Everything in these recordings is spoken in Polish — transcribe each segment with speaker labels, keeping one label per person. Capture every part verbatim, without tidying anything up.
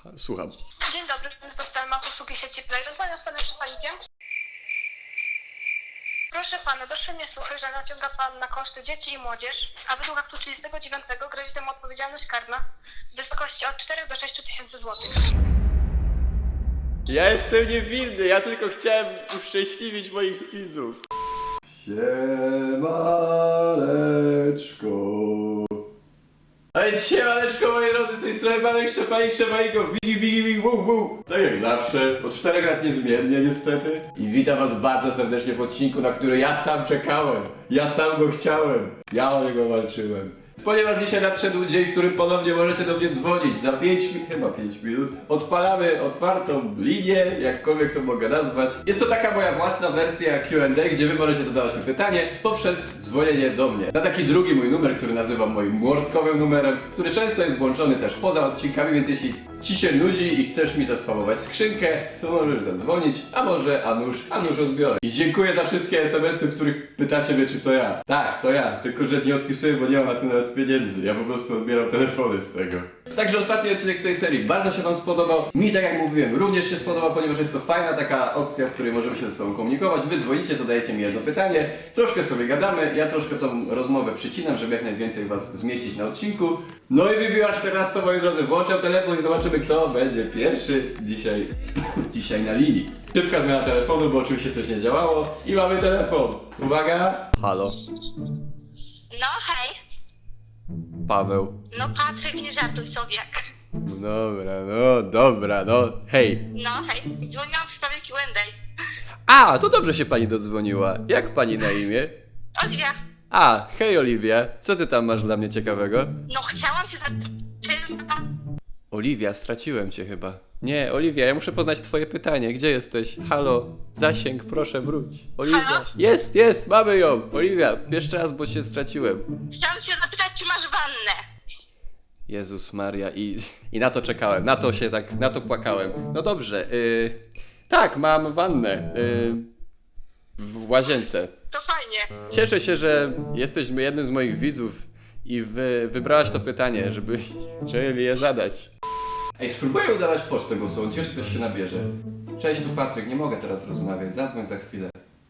Speaker 1: Słucham.
Speaker 2: Dzień dobry, to Stelma, usługi sieci Play. Rozmawiam z panem Szczepanikiem. Proszę pana, doszły mnie słuchy, że naciąga pan na koszty dzieci i młodzież, a według aktu trzydziestego dziewiątego grozi temu odpowiedzialność karna w wysokości od czterech do sześciu tysięcy złotych.
Speaker 1: Ja jestem niewinny, ja tylko chciałem uszczęśliwić moich widzów. Siemaneczko. A więc siemaneczko, moi drodzy, z tej strony Panek Szczepanik, Szczepanikow, bigi bigi bigi bu bu. Tak jak zawsze, od czterech lat niezmiennie niestety. I witam was bardzo serdecznie w odcinku, na który ja sam czekałem. Ja sam go chciałem. Ja o niego walczyłem. Ponieważ dzisiaj nadszedł dzień, w którym ponownie możecie do mnie dzwonić. Za pięć minut, chyba pięć minut, odpalamy otwartą linię, jakkolwiek to mogę nazwać. Jest to taka moja własna wersja Q and A, gdzie wy możecie zadawać mi pytanie poprzez dzwonienie do mnie. Na taki drugi mój numer, który nazywam moim mordkowym numerem, który często jest włączony też poza odcinkami, więc jeśli ci się nudzi i chcesz mi zaspamować skrzynkę, to możesz zadzwonić, a może a nuż, a nuż odbiorę. I dziękuję za wszystkie es em esy, w których pytacie mnie, czy to ja. Tak, to ja, tylko że nie odpisuję, bo nie mam na to nawet pieniędzy. Ja po prostu odbieram telefony z tego. Także ostatni odcinek z tej serii bardzo się wam spodobał. Mi, tak jak mówiłem, również się spodobał, ponieważ jest to fajna taka opcja, w której możemy się ze sobą komunikować. Wy dzwonicie, zadajecie mi jedno pytanie, troszkę sobie gadamy, ja troszkę tą rozmowę przycinam, żeby jak najwięcej was zmieścić na odcinku. No i wybiła czternasta, moi drodzy, włączam telefon i zobaczymy, kto będzie pierwszy dzisiaj, dzisiaj na linii. Szybka zmiana telefonu, bo oczywiście coś nie działało i mamy telefon. Uwaga! Halo?
Speaker 2: No hej,
Speaker 1: Paweł.
Speaker 2: no Patryk, nie żartuj sobie.
Speaker 1: No dobra, no dobra, no hej.
Speaker 2: No hej, dzwoniłam w sprawie Q and A.
Speaker 1: A, to dobrze się pani dodzwoniła. Jak pani na imię?
Speaker 2: Oliwia,
Speaker 1: A, hej Oliwia, co ty tam masz dla mnie ciekawego?
Speaker 2: no chciałam się zapytać, czy pan...
Speaker 1: Oliwia, straciłem cię chyba. Nie, Oliwia, ja muszę poznać twoje pytanie. Gdzie jesteś? Halo, zasięg, proszę wróć. Oliwia.
Speaker 2: Halo?
Speaker 1: Jest, jest, mamy ją. Oliwia, jeszcze raz, bo cię straciłem.
Speaker 2: Chciałam się zapytać, czy masz wannę?
Speaker 1: Jezus Maria, i, i na to czekałem, na to się tak, na to płakałem. No dobrze, yy, tak, mam wannę yy, w łazience.
Speaker 2: To fajnie.
Speaker 1: Cieszę się, że jesteś jednym z moich widzów i wy, wybrałaś to pytanie, żeby, żeby mi je zadać. Ej, spróbuję udawać pocztę głosową, ciekawe, czy ktoś się nabierze. Cześć, tu Patryk, nie mogę teraz rozmawiać, zadzwoń za chwilę.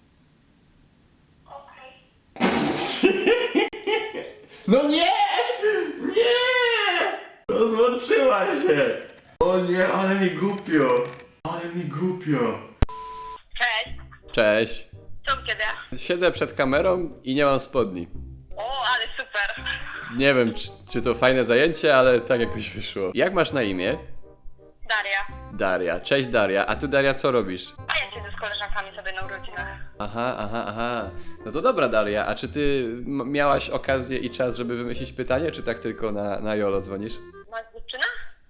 Speaker 1: No nie! Nie! Rozłączyła się! O nie, ale mi głupio! Ale mi głupio!
Speaker 2: Cześć,
Speaker 1: Cześć.
Speaker 2: co kiedy?
Speaker 1: Siedzę przed kamerą i nie mam spodni.
Speaker 2: O, ale super.
Speaker 1: Nie wiem, czy, czy to fajne zajęcie, ale tak jakoś wyszło. Jak masz na imię?
Speaker 2: Daria,
Speaker 1: Daria. Cześć Daria. A ty Daria co robisz?
Speaker 2: a ja siedzę z koleżankami sobie na urodzinach.
Speaker 1: Aha, aha, aha. No to dobra Daria, a czy ty m- miałaś okazję i czas, żeby wymyślić pytanie, czy tak tylko na, na jolo dzwonisz?
Speaker 2: Masz dziewczynę?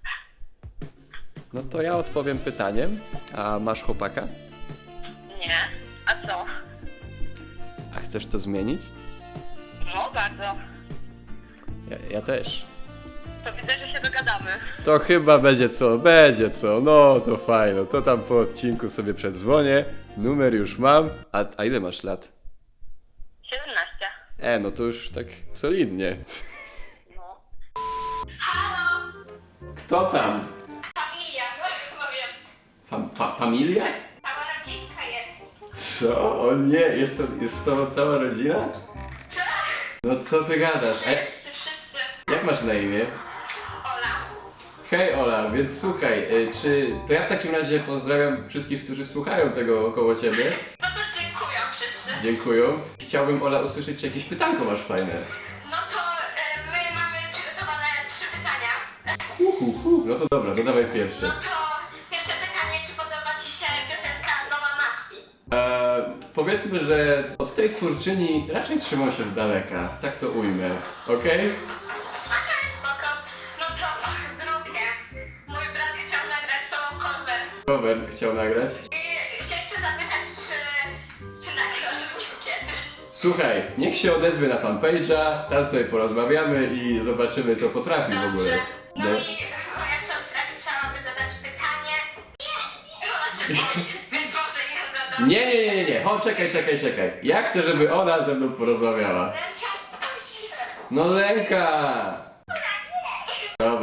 Speaker 1: No to ja odpowiem pytaniem. A masz chłopaka?
Speaker 2: Nie. A co?
Speaker 1: A chcesz to zmienić?
Speaker 2: No, bardzo.
Speaker 1: Ja, ja też.
Speaker 2: To widzę, że się dogadamy.
Speaker 1: To chyba będzie co, będzie co, no to fajno, to tam po odcinku sobie przedzwonię, numer już mam, a, a ile masz lat?
Speaker 2: siedemnaście.
Speaker 1: E, no to już tak solidnie.
Speaker 2: No.
Speaker 1: Kto tam?
Speaker 2: Familia, no powiem.
Speaker 1: Fam, fa, familia?
Speaker 2: Cała rodzinka jest.
Speaker 1: Co? O nie, jest to, jest z tobą cała rodzina? No co ty gadasz? E,
Speaker 2: Wszyscy, wszyscy.
Speaker 1: jak masz na imię?
Speaker 2: Ola.
Speaker 1: Hej Ola, więc słuchaj, y, czy to ja w takim razie pozdrawiam wszystkich, którzy słuchają tego koło ciebie.
Speaker 2: No to dziękuję wszyscy.
Speaker 1: Dziękuję. Chciałbym Ola usłyszeć, czy jakieś pytanko masz fajne.
Speaker 2: No to e, my mamy przygotowane trzy pytania.
Speaker 1: Uhuhu. No to dobra, to dawaj pierwsze.
Speaker 2: No to pierwsze pytanie, czy podoba ci się piosenka Nowa Maski?
Speaker 1: Eee, powiedzmy, że od tej twórczyni raczej trzymał się z daleka. Tak to ujmę. Okej?
Speaker 2: Okej, spoko. No to drugie. Mój brat chciał nagrać solo cover.
Speaker 1: Cover chciał nagrać.
Speaker 2: I się chcę zapytać, czy, czy nagrasz mnie kiedyś?
Speaker 1: Słuchaj, niech się odezwie na fanpage'a, tam sobie porozmawiamy i zobaczymy, co potrafi w ogóle.
Speaker 2: Dobrze. No
Speaker 1: No.
Speaker 2: i moja siostra chciałaby zadać pytanie. Nie, ona się boi, więc może je zadam.
Speaker 1: Nie, nie, nie, nie, nie. O, czekaj, czekaj, czekaj. Ja chcę, żeby ona ze mną porozmawiała.
Speaker 2: Ręka, się.
Speaker 1: No Lenka! Dobra,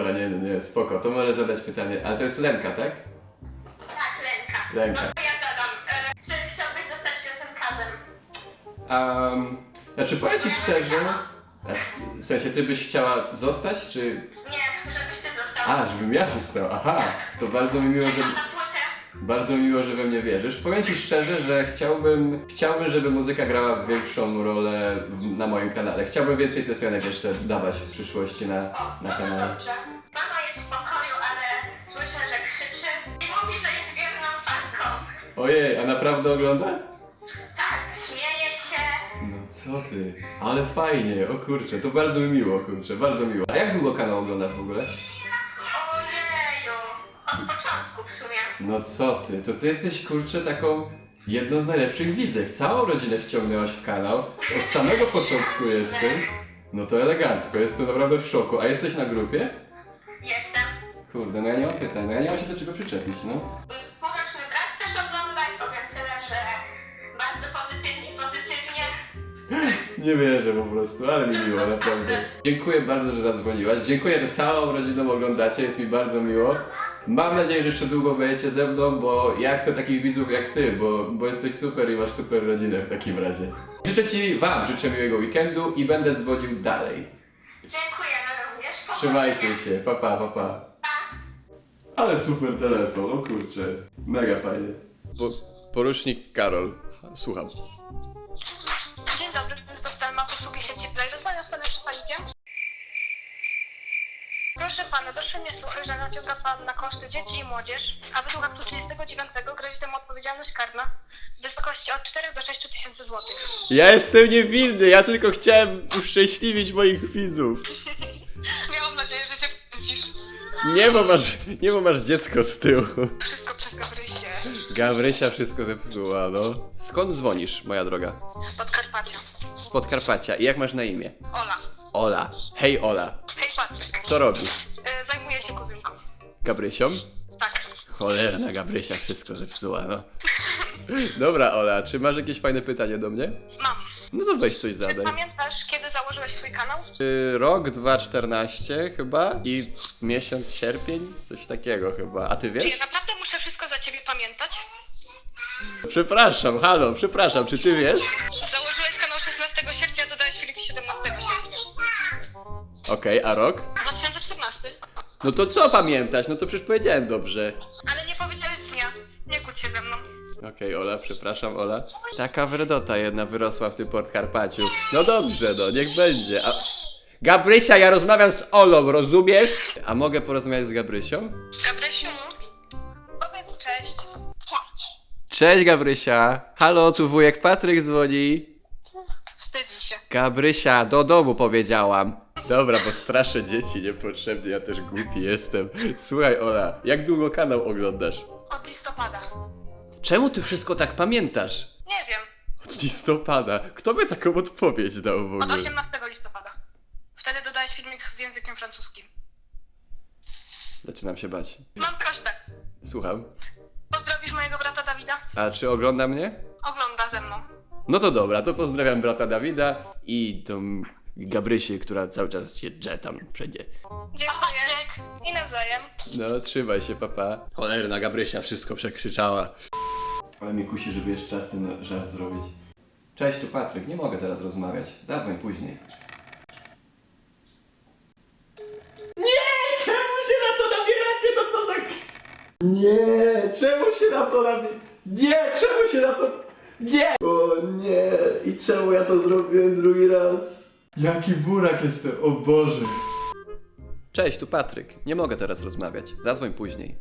Speaker 1: dobra, nie, nie, nie, spoko, to może zadać pytanie, ale to jest Lenka, tak?
Speaker 2: Tak, Lenka.
Speaker 1: Lenka.
Speaker 2: No to ja zadam. E, czy chciałbyś zostać piosenkarzem?
Speaker 1: Um, znaczy powiem ci szczerze, a, w sensie ty byś chciała zostać, czy...
Speaker 2: Nie, żebyś ty został.
Speaker 1: A, żebym ja został, aha, to bardzo mi miło, że...
Speaker 2: Na płytę.
Speaker 1: Bardzo miło, że we mnie wierzysz. Powiem ci szczerze, że chciałbym, chciałbym, żeby muzyka grała większą rolę w, na moim kanale. Chciałbym więcej piosenek jeszcze dawać w przyszłości na,
Speaker 2: O,
Speaker 1: na
Speaker 2: no to
Speaker 1: kanale.
Speaker 2: dobrze. Mama jest w pokoju, ale słyszę, że krzyczy i mówi, że jest wierną fanką.
Speaker 1: Ojej, a naprawdę ogląda?
Speaker 2: Tak, śmieje się.
Speaker 1: No co ty? Ale fajnie, o kurczę, to bardzo mi miło, kurczę, bardzo miło. A jak długo kanał oglądasz w ogóle?
Speaker 2: Ojeju, od początku w sumie.
Speaker 1: No co ty, to ty jesteś, kurczę, taką jedną z najlepszych widzek. Całą rodzinę wciągnęłaś w kanał, od samego początku jesteś. No to elegancko, jestem naprawdę w szoku. A jesteś na grupie?
Speaker 2: Jestem.
Speaker 1: Kurde, no ja nie mam pytań, no ja nie mam się do czego przyczepić, no.
Speaker 2: Pomocny brat też ogląda i powiem tyle, że bardzo pozytywnie, pozytywnie.
Speaker 1: Nie wierzę po prostu, ale mi miło, naprawdę. Dziękuję bardzo, że zadzwoniłaś. Dziękuję, że całą rodziną oglądacie, jest mi bardzo miło. Mam nadzieję, że jeszcze długo będziecie ze mną, bo ja chcę takich widzów jak ty, bo, bo jesteś super i masz super rodzinę w takim razie. Życzę ci, wam życzę miłego weekendu i będę dzwonił dalej.
Speaker 2: Dziękujemy również.
Speaker 1: Trzymajcie się, pa pa, pa pa. Ale super telefon, o kurczę, mega fajnie. Po, porucznik Karol, słucham.
Speaker 2: Dzień dobry, to Stelma, posługi sieci Play. Rozmawiam z panem Szczepanikiem. Proszę pana, doszły mnie słuchy, że naciąga pan na koszty dzieci i młodzież, a według aktu trzydziestego dziewiątego grozi temu odpowiedzialność karna w wysokości od czterech do sześciu tysięcy złotych.
Speaker 1: Ja jestem niewinny, ja tylko chciałem uszczęśliwić moich widzów.
Speaker 2: Miałam nadzieję, że się wkręcisz.
Speaker 1: Nie, bo masz, nie, bo masz dziecko z tyłu.
Speaker 2: Wszystko przez Gabrysię.
Speaker 1: Gawrysia wszystko zepsuła, no. Skąd dzwonisz, moja droga?
Speaker 2: Z Podkarpacia.
Speaker 1: Z Podkarpacia. I jak masz na imię?
Speaker 2: Ola.
Speaker 1: Ola. Hej, Ola.
Speaker 2: Hej Patryk.
Speaker 1: Co robisz?
Speaker 2: E, zajmuję się kuzynką.
Speaker 1: Gabrysią?
Speaker 2: Tak.
Speaker 1: Cholerna Gabrysia wszystko zepsuła, no. Dobra, Ola, czy masz jakieś fajne pytanie do mnie?
Speaker 2: Mam.
Speaker 1: No to weź coś zadaj.
Speaker 2: Pamiętasz, kiedy założyłeś swój kanał?
Speaker 1: Y, rok dwa tysiące czternaście chyba i miesiąc sierpień, coś takiego chyba. A ty
Speaker 2: Czy
Speaker 1: wiesz?
Speaker 2: ja naprawdę muszę wszystko za ciebie pamiętać?
Speaker 1: Przepraszam, halo, przepraszam, czy ty wiesz?
Speaker 2: Założyłeś kanał szesnastego sierpnia, dodałeś filmik siedemnastego sierpnia.
Speaker 1: Okej, a rok?
Speaker 2: dwa tysiące czternasty.
Speaker 1: No to co pamiętać? No to przecież powiedziałem dobrze.
Speaker 2: Ale nie powiedziałeś dnia. Nie kłóć się ze mną.
Speaker 1: Okej, Ola, przepraszam, Ola. Taka wredota jedna wyrosła w tym Podkarpaciu. No dobrze, no, niech będzie. A... Gabrysia, ja rozmawiam z Olą, rozumiesz? A mogę porozmawiać z Gabrysią?
Speaker 2: Gabrysiu, powiedz cześć. Cześć.
Speaker 1: Cześć, Gabrysia. Halo, tu wujek Patryk dzwoni.
Speaker 2: Wstydzi się.
Speaker 1: Gabrysia, do domu powiedziałam. Dobra, bo straszę dzieci niepotrzebnie, ja też głupi jestem. Słuchaj, Ola, jak długo kanał oglądasz?
Speaker 2: Od listopada.
Speaker 1: Czemu ty wszystko tak pamiętasz?
Speaker 2: Nie wiem.
Speaker 1: Od listopada. Kto by taką odpowiedź dał w
Speaker 2: Od
Speaker 1: ogóle?
Speaker 2: osiemnastego listopada. Wtedy dodałeś filmik z językiem francuskim.
Speaker 1: Zaczynam się bać.
Speaker 2: Mam prośbę.
Speaker 1: Słucham.
Speaker 2: Pozdrowisz mojego brata Dawida?
Speaker 1: A czy ogląda mnie?
Speaker 2: Ogląda ze mną.
Speaker 1: No to dobra, to pozdrawiam brata Dawida i tą Gabrysię, która cały czas się drze tam wszędzie.
Speaker 2: Dziękuję. I nawzajem.
Speaker 1: No, trzymaj się, papa. Cholerna Gabrysia wszystko przekrzyczała. Ale mnie kusi, żeby jeszcze czas ten żart zrobić. Cześć, tu Patryk, nie mogę teraz rozmawiać. Zadzwoń później. Nie! Czemu się na to nabieracie? No co za... Nie! Czemu się na to nabieracie? Nie! Czemu się na to... Nie! O nie! I czemu ja to zrobiłem drugi raz? Jaki burak jestem, o Boże! Cześć, tu Patryk. Nie mogę teraz rozmawiać. Zadzwoń później.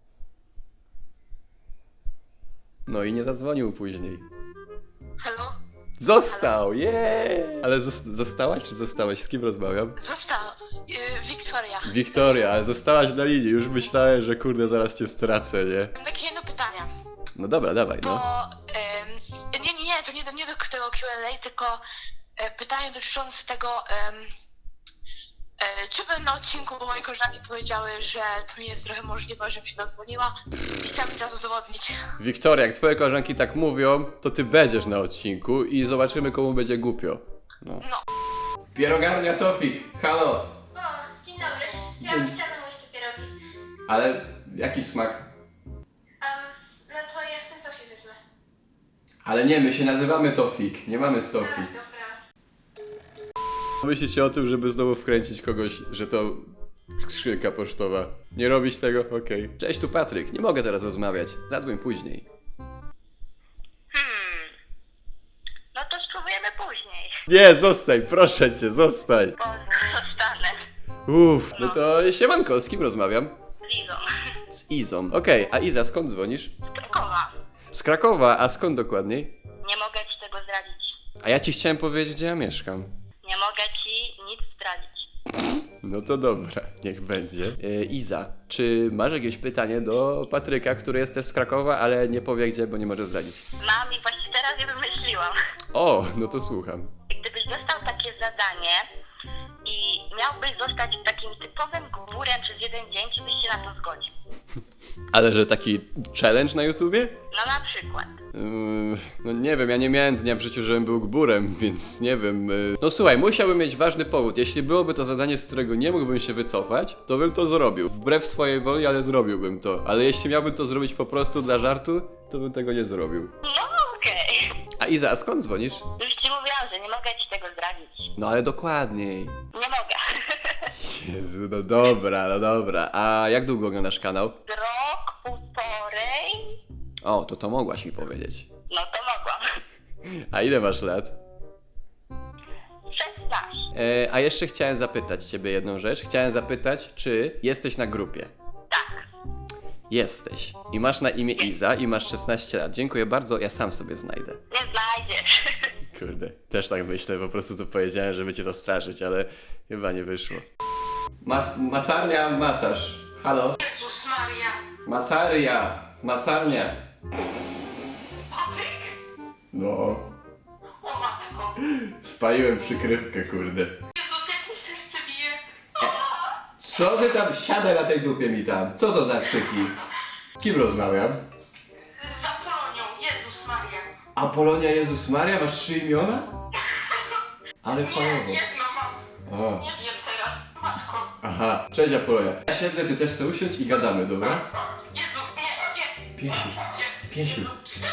Speaker 1: No i nie zadzwonił później.
Speaker 2: Halo?
Speaker 1: Został! Jeee! Ale zos- zostałaś czy zostałeś? Z kim rozmawiam?
Speaker 2: Został. Yy, Wiktoria.
Speaker 1: Wiktoria, ale zostałaś na linii. Już myślałem, że kurde zaraz cię stracę, nie?
Speaker 2: Mam takie jedno pytanie.
Speaker 1: No dobra, dawaj,
Speaker 2: Bo
Speaker 1: no.
Speaker 2: em, nie, nie, nie, to nie do, nie do tego Q and A, tylko e, pytanie dotyczące tego, em, e, czy bym na odcinku, bo moje koleżanki powiedziały, że to nie jest trochę możliwe, żebym się dodzwoniła i chciałam teraz udowodnić.
Speaker 1: Wiktoria, jak twoje koleżanki tak mówią, to ty będziesz na odcinku i zobaczymy, komu będzie głupio. No.
Speaker 2: No.
Speaker 1: Pierogarnia Tofik, halo!
Speaker 2: O, dzień dobry. Ja chciałam
Speaker 1: Ale jaki smak?
Speaker 2: Um, no to jestem, to się wezmę.
Speaker 1: Ale nie, my się nazywamy Tofik, nie mamy Stofik.
Speaker 2: Dobra.
Speaker 1: Myślicie o tym, żeby znowu wkręcić kogoś, że to skrzynka pocztowa. Nie robić tego? Okej. Cześć, tu Patryk. Nie mogę teraz rozmawiać. Zadzwoń później.
Speaker 2: Hmm. No to spróbujemy później.
Speaker 1: Nie, zostań, proszę cię, zostań.
Speaker 2: Bo zostanę.
Speaker 1: Uff, no to siemanko, z kim rozmawiam?
Speaker 2: Z Lizą.
Speaker 1: Z Izą. Okej, a Iza, skąd dzwonisz?
Speaker 2: Z Krakowa.
Speaker 1: Z Krakowa, a skąd dokładniej?
Speaker 2: Nie mogę ci tego zdradzić.
Speaker 1: A ja ci chciałem powiedzieć, gdzie ja mieszkam.
Speaker 2: Nie mogę ci nic zdradzić.
Speaker 1: No to dobra, niech będzie. E, Iza, czy masz jakieś pytanie do Patryka, który jest też z Krakowa, ale nie powie gdzie, bo nie może zdradzić?
Speaker 2: Mam i właśnie teraz je wymyśliłam.
Speaker 1: O, no to słucham.
Speaker 2: Gdybyś dostał takie zadanie i miałbyś zostać takim typowym gburem przez jeden dzień, czy byś się na to zgodził?
Speaker 1: Ale że taki challenge na YouTubie?
Speaker 2: No na przykład.
Speaker 1: Yy, no nie wiem, ja nie miałem dnia w życiu, żebym był gburem, więc nie wiem. Yy. No słuchaj, musiałbym mieć ważny powód. Jeśli byłoby to zadanie, z którego nie mógłbym się wycofać, to bym to zrobił. Wbrew swojej woli, ale zrobiłbym to. Ale jeśli miałbym to zrobić po prostu dla żartu, to bym tego nie zrobił.
Speaker 2: No okej.
Speaker 1: A Iza, a skąd dzwonisz?
Speaker 2: Już ci mówiłam, że nie mogę ci tego zdradzić.
Speaker 1: No ale dokładniej.
Speaker 2: Nie mogę.
Speaker 1: Jezu, no dobra, no dobra. A jak długo oglądasz kanał?
Speaker 2: Rok, półtorej?
Speaker 1: O, to to mogłaś mi powiedzieć.
Speaker 2: No to mogłam.
Speaker 1: A ile masz lat?
Speaker 2: szesnaście.
Speaker 1: E, a jeszcze chciałem zapytać ciebie jedną rzecz. Chciałem zapytać, czy jesteś na grupie?
Speaker 2: Tak.
Speaker 1: Jesteś. I masz na imię Iza i masz szesnaście lat. Dziękuję bardzo, ja sam sobie znajdę.
Speaker 2: Nie znajdziesz.
Speaker 1: Kurde, też tak myślę, po prostu to powiedziałem, żeby cię zastraszyć, ale chyba nie wyszło. Mas masarnia, masaż. Halo?
Speaker 2: Jezus Maria.
Speaker 1: Masaria, masarnia.
Speaker 2: Patryk?
Speaker 1: No,
Speaker 2: O matko.
Speaker 1: spaliłem przykrywkę, kurde.
Speaker 2: Jezus, jak mi serce bije.
Speaker 1: Co ty tam, siadaj na tej dupie mi tam. Co to za krzyki? Z kim rozmawiam?
Speaker 2: Za Polonią. Jezus Maria.
Speaker 1: Apolonia Jezus Maria, masz trzy imiona? Ale fajnie.
Speaker 2: jedno mam.
Speaker 1: O,
Speaker 2: Nie wiem teraz. Matko.
Speaker 1: aha. Cześć Apolonia. Ja siedzę, ty też sobie usiądź i gadamy, dobra?
Speaker 2: Jezu, nie, jest.
Speaker 1: Piesi, piesi.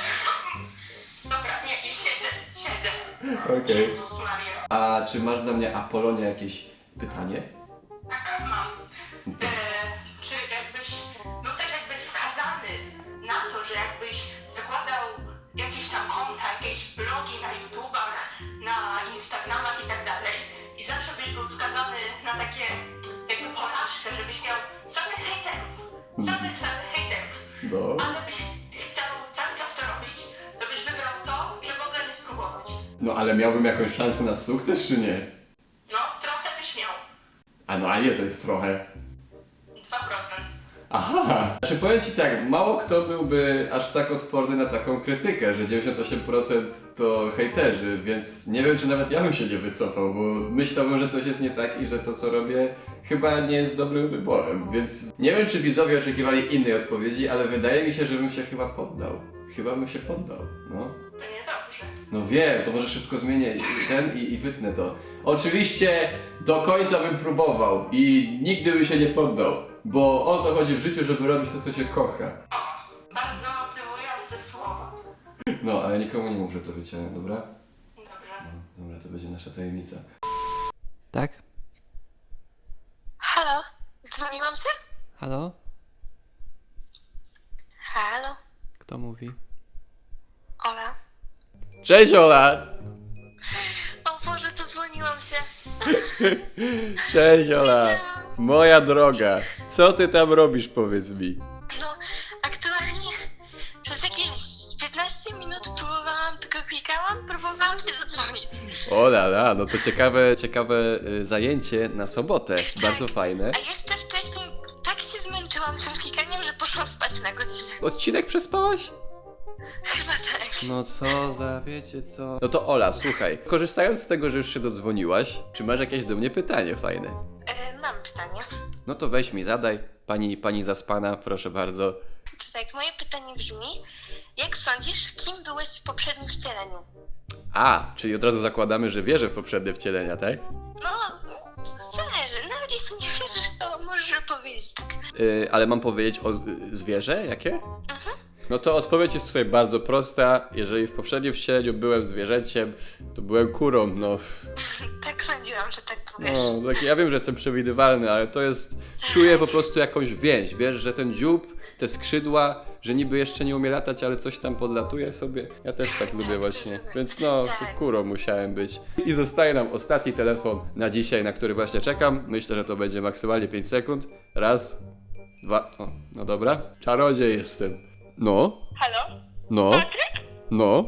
Speaker 2: Dobra, nie, nie siedzę, siedzę.
Speaker 1: Okej.
Speaker 2: Jezus Maria.
Speaker 1: A czy masz dla mnie Apolonia jakieś pytanie?
Speaker 2: Tak, mam. E, czy jakbyś, no też jakbyś skazany na to, że jakbyś zakładał jakieś tam konta, jakieś blogi na YouTubach, na Instagramach i tak dalej i zawsze byś był skazany na takie jakby porażkę, żebyś miał samych hejterów, samych, samych hejterów,
Speaker 1: No.
Speaker 2: ale byś chciał cały czas to robić, to byś wybrał to, że w ogóle nie spróbować.
Speaker 1: No ale miałbym jakąś szansę na sukces, czy nie?
Speaker 2: No, trochę byś miał.
Speaker 1: A no a ile to jest trochę?
Speaker 2: dwa procent.
Speaker 1: Aha! Znaczy powiem ci tak, mało kto byłby aż tak odporny na taką krytykę, że dziewięćdziesiąt osiem procent to hejterzy, więc nie wiem, czy nawet ja bym się nie wycofał, bo myślałbym, że coś jest nie tak i że to, co robię, chyba nie jest dobrym wyborem, więc nie wiem, czy widzowie oczekiwali innej odpowiedzi, ale wydaje mi się, że bym się chyba poddał. Chyba bym się poddał, no.
Speaker 2: To niedobrze.
Speaker 1: No wiem, to może szybko zmienię ten i, i wytnę to. Oczywiście do końca bym próbował i nigdy bym się nie poddał, bo o to chodzi w życiu, żeby robić to, co się kocha.
Speaker 2: Bardzo motywujące słowa.
Speaker 1: No, ale nikomu nie mów, że to wyciąłem, dobra?
Speaker 2: Dobrze.
Speaker 1: No, dobra, to będzie nasza tajemnica. Tak?
Speaker 2: Halo? Dzwoniłam się?
Speaker 1: Halo?
Speaker 2: Halo?
Speaker 1: Kto mówi?
Speaker 2: Ola?
Speaker 1: Cześć Ola!
Speaker 2: O Boże, to dzwoniłam się.
Speaker 1: Cześć Ola! Moja droga, co ty tam robisz, powiedz mi?
Speaker 2: No, aktualnie przez jakieś piętnaście minut próbowałam, tylko klikałam, próbowałam się dodzwonić.
Speaker 1: Ola, la, no to ciekawe, ciekawe y, zajęcie na sobotę, bardzo fajne.
Speaker 2: A jeszcze wcześniej tak się zmęczyłam tym klikaniem, że poszłam spać na godzinę.
Speaker 1: Odcinek przespałaś?
Speaker 2: Chyba tak.
Speaker 1: No co za, wiecie co? No to Ola, słuchaj, korzystając z tego, że już się dodzwoniłaś, czy masz jakieś do mnie pytanie fajne?
Speaker 2: E, mam pytanie.
Speaker 1: No to weź mi, zadaj. Pani, pani zaspana, proszę bardzo.
Speaker 2: To tak, moje pytanie brzmi, jak sądzisz, kim byłeś w poprzednim wcieleniu?
Speaker 1: A, czyli od razu zakładamy, że wierzę w poprzednie wcielenia, tak?
Speaker 2: No, zależy, nawet jeśli nie wierzysz, co możesz powiedzieć?
Speaker 1: Yy, ale mam powiedzieć o y, zwierzę? Jakie? No to odpowiedź jest tutaj bardzo prosta. Jeżeli w poprzednim wcieleniu byłem zwierzęciem, to byłem kurą, no.
Speaker 2: Tak sądziłam, że tak powiesz.
Speaker 1: No, tak, ja wiem, że jestem przewidywalny, ale to jest... Czuję po prostu jakąś więź, wiesz, że ten dziób, te skrzydła, że niby jeszcze nie umie latać, ale coś tam podlatuje sobie. Ja też tak lubię właśnie. Więc no, to kurą musiałem być. I zostaje nam ostatni telefon na dzisiaj, na który właśnie czekam. Myślę, że to będzie maksymalnie pięć sekund. Raz, dwa, o, no dobra. Czarodziej jestem. No,
Speaker 2: Halo?
Speaker 1: no,
Speaker 2: Patryk?
Speaker 1: no,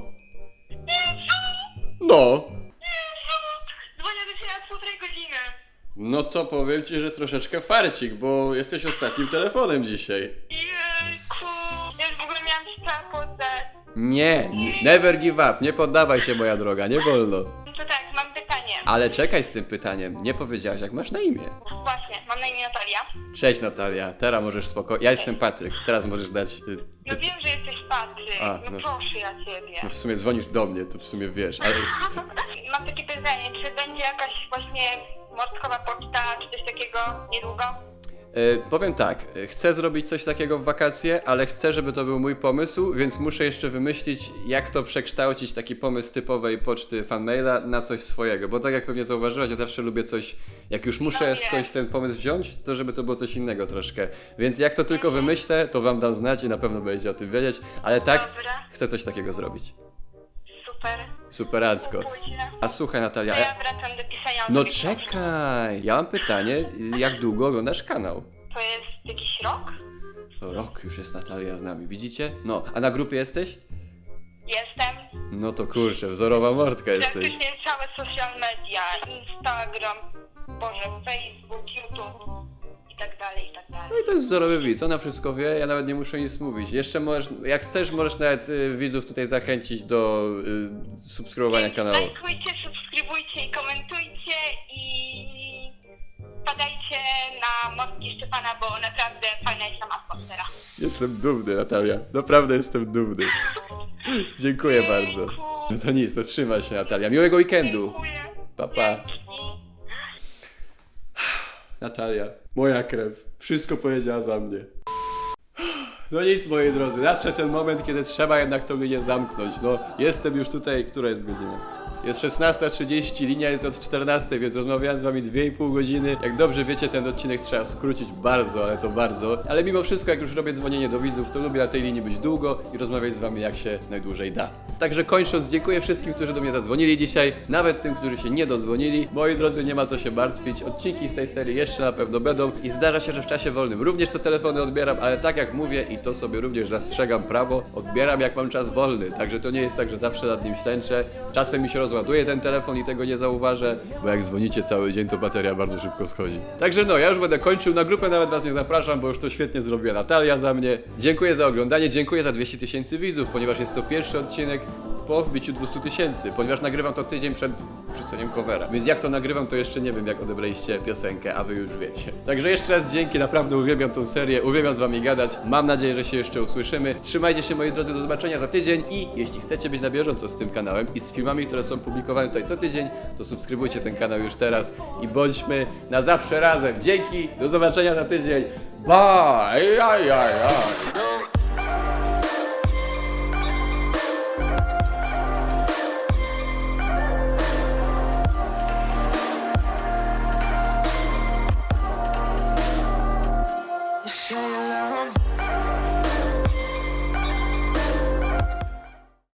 Speaker 1: no.
Speaker 2: Dzwonię do ciebie na półtorej godziny.
Speaker 1: No to powiem ci, że troszeczkę farcik, bo jesteś ostatnim telefonem dzisiaj.
Speaker 2: Jejku. Ja już w ogóle miałam się cała poddać.
Speaker 1: Nie, never give up, nie poddawaj się moja droga, nie wolno.
Speaker 2: No to tak, mam pytanie.
Speaker 1: Ale czekaj z tym pytaniem, nie powiedziałaś jak masz na imię.
Speaker 2: Właśnie, mam na imię Natalia.
Speaker 1: Cześć Natalia, teraz możesz spokojnie, ja jestem Patryk, teraz możesz dać... y,
Speaker 2: No wiem, że jesteś Patryk.
Speaker 1: A,
Speaker 2: no,
Speaker 1: no.
Speaker 2: proszę ja ciebie.
Speaker 1: No w sumie dzwonisz do mnie, to w sumie wiesz, ale...
Speaker 2: Mam takie pytanie, czy będzie jakaś właśnie morskowa poczta, czy coś takiego niedługo?
Speaker 1: Y, powiem tak, y, chcę zrobić coś takiego w wakacje, ale chcę, żeby to był mój pomysł, więc muszę jeszcze wymyślić, jak to przekształcić taki pomysł typowej poczty fanmaila na coś swojego, bo tak jak pewnie zauważyłaś, ja zawsze lubię coś, jak już muszę
Speaker 2: No
Speaker 1: skądś ten pomysł wziąć, to żeby to było coś innego troszkę, więc jak to tylko wymyślę, to wam dam znać i na pewno będziecie o tym wiedzieć, ale tak,
Speaker 2: Dobra,
Speaker 1: chcę coś takiego zrobić.
Speaker 2: super.
Speaker 1: Superacko.
Speaker 2: Później.
Speaker 1: A słuchaj Natalia,
Speaker 2: To
Speaker 1: ja...
Speaker 2: ja wracam do pisania.
Speaker 1: no
Speaker 2: autobiografii.
Speaker 1: czekaj, ja mam pytanie, jak długo oglądasz kanał?
Speaker 2: To jest jakiś rok?
Speaker 1: Rok już jest Natalia z nami, widzicie? No, a na grupie jesteś?
Speaker 2: Jestem.
Speaker 1: No to kurczę, wzorowa mordka jesteś.
Speaker 2: Praktycznie całe social media, Instagram, Boże, Facebook, YouTube i tak dalej, i tak dalej.
Speaker 1: No i to jest wzorowy widz, ona wszystko wie, ja nawet nie muszę nic mówić. Jeszcze możesz, jak chcesz, możesz nawet y, widzów tutaj zachęcić do y, subskrybowania
Speaker 2: Więc
Speaker 1: kanału.
Speaker 2: lajkujcie, subskrybujcie i komentujcie i wpadajcie na Mostki Szczepana, bo naprawdę fajna jest tam atmosfera.
Speaker 1: Jestem dumny, Natalia, naprawdę jestem dumny. Dziękuję bardzo. No to nic, to trzymaj się Natalia, miłego weekendu.
Speaker 2: Dziękuję.
Speaker 1: Pa, pa.
Speaker 2: Dzięki.
Speaker 1: Natalia, moja krew, wszystko powiedziała za mnie. No nic, moi drodzy, nadszedł ten moment, kiedy trzeba jednak to linię zamknąć. No, jestem już tutaj, która jest godzina? Jest szesnasta trzydzieści, linia jest od czternastej, więc rozmawiałem z wami dwie i pół godziny. Jak dobrze wiecie, ten odcinek trzeba skrócić bardzo, ale to bardzo. Ale mimo wszystko, jak już robię dzwonienie do widzów, to lubię na tej linii być długo i rozmawiać z wami jak się najdłużej da. Także kończąc, dziękuję wszystkim, którzy do mnie zadzwonili dzisiaj, nawet tym, którzy się nie dodzwonili. Moi drodzy, nie ma co się martwić, odcinki z tej serii jeszcze na pewno będą i zdarza się, że w czasie wolnym również te telefony odbieram, ale tak jak mówię i to sobie również zastrzegam prawo, odbieram jak mam czas wolny, także to nie jest tak, że zawsze nad nim ślęczę. Czasem mi się rozładuje ten telefon i tego nie zauważę, bo jak dzwonicie cały dzień, to bateria bardzo szybko schodzi. Także no, ja już będę kończył, na grupę nawet was nie zapraszam, bo już to świetnie zrobiła Natalia za mnie. Dziękuję za oglądanie, dziękuję za dwieście tysięcy widzów, ponieważ jest to pierwszy odcinek po wbiciu dwieście tysięcy, ponieważ nagrywam to tydzień przed wrzuceniem covera. Więc jak to nagrywam, to jeszcze nie wiem, jak odebraliście piosenkę, a wy już wiecie. Także jeszcze raz dzięki, naprawdę uwielbiam tą serię, uwielbiam z wami gadać. Mam nadzieję, że się jeszcze usłyszymy. Trzymajcie się, moi drodzy, do zobaczenia za tydzień i jeśli chcecie być na bieżąco z tym kanałem i z filmami, które są publikowane tutaj co tydzień, to subskrybujcie ten kanał już teraz i bądźmy na zawsze razem. Dzięki, do zobaczenia za tydzień. Bye! Aj, aj, aj.